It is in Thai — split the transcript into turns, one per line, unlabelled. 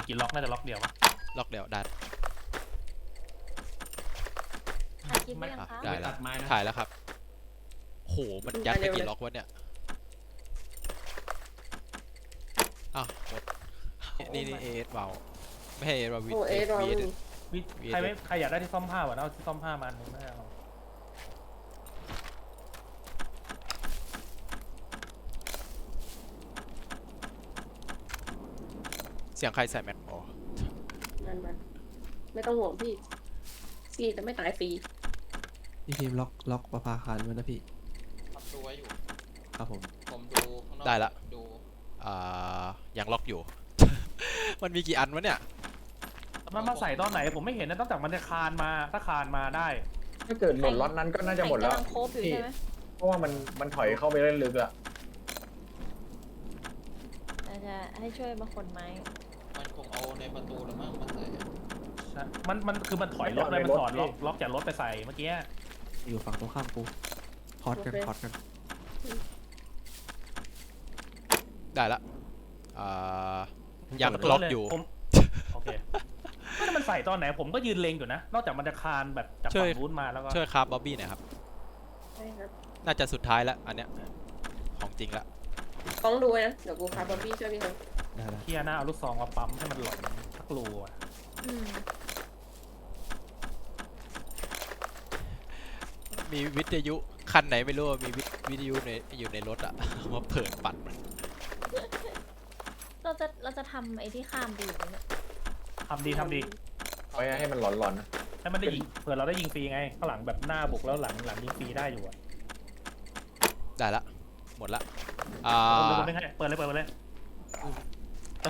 กี่ล็อกน่าจะล็อกเดียวปะ
ล็อกเดี๋ยวได้
ถ่ายคลิปหรือยังคะ
ได้
ไม่
แล้ว
ตัดไม้นะ
ถ่ายแล้วครับโหมันยัดไปกี่ล็อกวะเนี่ยอ้าวหมดนี่เอสเบาไม่ให้เอสเบาวี
โอ้เอสเรา
ใครอยากได้ที่ซ่อมผ้าวะเอาที่ซ่อมผ้ามาอันนึงไม่เอา
เสียงใครใส่แม็กอ๋อ
มันไม่ต้องห่วงพี่พี่จะไม่ตายฟรี
พี่พิมพ์ล็อกประภาคารไว้นะพี่
ทำดูไว้อยู่
ครับผม
ผมดูข้างนอก
ได้ละ
ดู
ยังล็อกอยู่ มันมีกี่อันวะเนี่ย
มันมาใส่ตอนไหนผมไม่เห็นนะตั้งแต่มันจะคานมาถ้าคานมาได้
ถ้าเกิดหล่นล็อตนั้นก็น่าจะหมดแล้ว
กำลังโคบอยู่ใช่ไหม
เพราะว่ามันถอยเข้าไปเล่นลึกอะ
อาจจะให้ช่วยมาขนไม้
มันคงเอาในประตูหรือมั้งมันใส่
มันคือมันถอยรถเลยมันถอดล็อกจากรถไปใส่เมื่อกี้
อยู่ฝั่งตรงข้ามกูพอดกันพอดกัน
ได้ละยังล็อกอยู่
ผมโอเคไม่ได้มันใส่ตอนไหนผมก็ยืนเล็งอยู่นะนอกจากมันจะคานแบบจาก
ช่
ฝั่
วย
งนู้นมาแล้วก็
ช่วยครับบ๊อบบี้หน่อยครับ
ใช่ครับ
น่าจะสุดท้ายแล้วอันเนี้ยของจริงละ
ต้องดูนะเดี๋ยวกูพาบอบบี้ช่วยพี่เขา
ได้แล้ว
เทียหน้าเอาลูกซองมาปั๊มให้มันหล่นทักรูอะ
อืม
มีวิทยุคันไหนไม่รู้มีวิทยุอยู่ในรถอะ มาเปิดปัดมัน
เราจะทำไอ้ที่ข้ามดีไหมเนี่ย
ทำดี
ไว้ให้มันหลอนๆนะ
ให้มันได้ยิงเผื่อเราได้ยิงฟรีไงข้างหลังแบบหน้าบุกแล้วหลังยิงฟรีได้อยู่อะ
ได้ละหมดละ
เปิดเลย